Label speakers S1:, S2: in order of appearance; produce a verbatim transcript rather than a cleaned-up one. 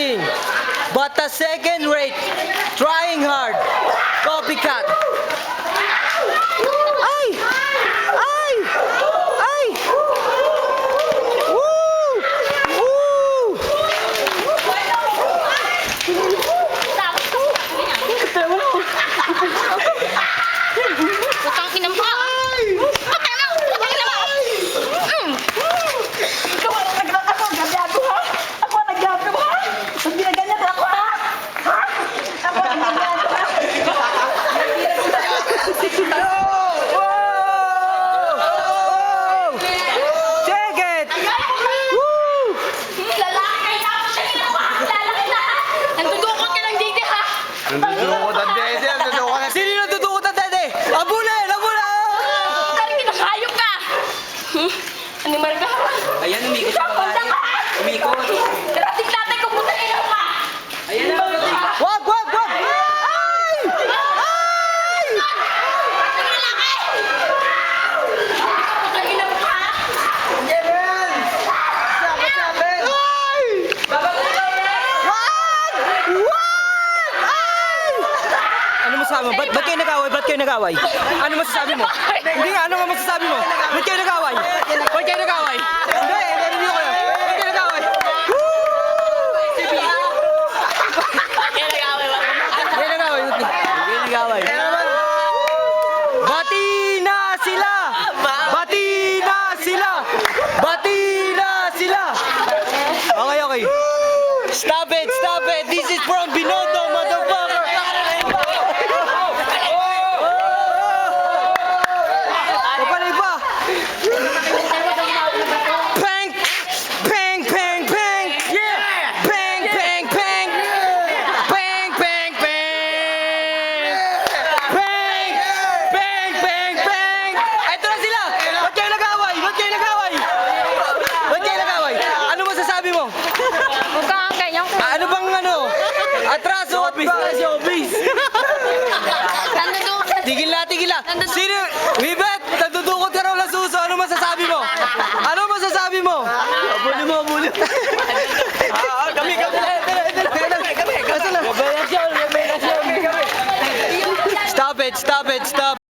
S1: nothing but a second rate, trying hard, copycat. Ay! Ay! Ay! Woo! Woo!
S2: Putang ina mo! Putang ina mo! Putang ina mo! Mm.
S3: Ikaw ang nag- ako, gabyado ha? Ako ang nagyado ha? Pag ginaganyan ako ha? Ha? Ako ang nagyado ha?
S1: Check it! Woo!
S2: Lalaki na ako siya ginawa! Lalaki na! Nandudukot ka lang dito ha!
S4: Nandudukot ang dede, nandudukot ang
S1: Sino yung natutukot ang dede? Abulin! Abulin!
S2: Dari kinakayok ka! Hmm? Animal ka?
S1: Ayan, umikot
S2: Ikaw, punta ka ha!
S1: Umikot.
S2: Darating natin kung punta ina ka!
S1: Ayan na, wag, wag, wag! Ay! Ay!
S2: Ang lalaki! Putang ina mo ha!
S1: Ay! Wag! Wag! Ay! Ano masasabi mo? Ba't, ba't kayo nag-away? Ba't kayo nag-away? Ano masasabi mo? Hindi nga, ano nga masasabi mo? Ba't kayo nag-away? Ba't kayo nag-away? Hindi, hindi ko yun. Ba't kayo nag-away?
S2: Kaya nag-away ba?
S1: Ba't kayo nag-away? Ba't kayo nag-away? Bati na sila! Bati na sila! Bati na sila! Okay, okay. Stop it, stop it! This is from Binondo, motherfucker! Kapalay pa! Pang! Pang, pang, pang! Yeah! Pang, pang, pang! Pang, pang, pang! Pang! Pang, pang, pang! Ito na sila! Ba't kayo nag-away? Ba't kayo nag-away? Ba't kayo nag-away? Ano masasabi mo?
S2: Huwag kang ganyan ko.
S1: Ano bang ano? Atraso at ba? Showbiz!
S2: Nandudukot ka.
S1: Tigil na, tigil na! Sino? Wibet! Nagdudukot ka raw ng suso. Ano masasabi mo? Ano masasabi mo? Abuli mo, abuli. Ah, kami, kami. Kami, kami. Kami, kami. Stop it, stop it, stop.